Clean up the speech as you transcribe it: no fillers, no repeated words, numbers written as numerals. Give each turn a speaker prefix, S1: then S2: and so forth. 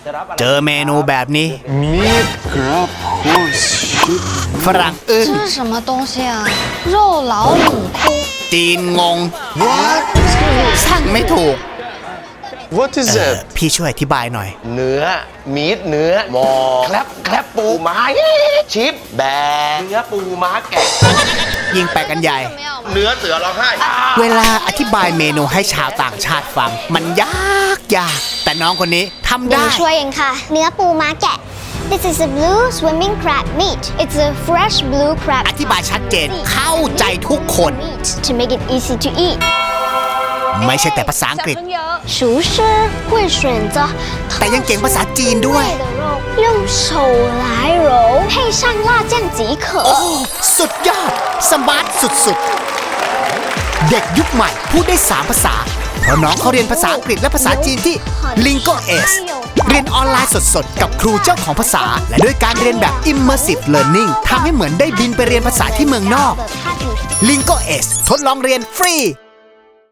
S1: เจอเมนูแบบนี้
S2: Meat crab horse shit
S1: ฝรั่งอึ้ง
S3: 这是什么东西啊？肉老母窟。
S1: จีนงง
S2: What?
S1: สั่งไม่ถูก
S2: What is that?
S1: พี่ช่วยอธิบายหน่อย
S4: เนื้อมีดเนื้อหมอแคลบปูม้าชิปแบร์เนื้อปูม้าแกะ
S1: ยิ่งไปกันใหญ่
S4: เนื้อเสือร้องไห้
S1: เวลาอธิบายเมนูให้ชาวต่างชาติฟัง มันยากแต่น้องคนนี้ทำ
S5: หนู
S1: ได้
S5: ช่วยเองค่ะ เนื้อปูม้าแกะ This is a blue swimming crab meat. It's a fresh blue crab.
S1: อธิบายชัดเจนเข้าใจทุกคน
S5: meat to make it easy to eat.
S1: ไม่ใช่แต่ภาษาอังกฤษ
S5: 厨师会选择
S1: แต่ยังเก่งภาษาจีนด้วย
S5: 的肉用手来揉配上辣酱即可
S1: โอ้ สุดยอด สมาร์ทสุดๆ เด็กยุคใหม่พูดได้ 3 ภาษา เพราะน้องเขาเรียนภาษาอังกฤษและภาษาจีนที่ Lingo S เรียนออนไลน์สดๆ กับครูเจ้าของภาษา และด้วยการเรียนแบบ Immersive Learning ทำให้เหมือนได้บินไปเรียนภาษาที่เมืองนอก Lingo S ทดลองเรียนฟรี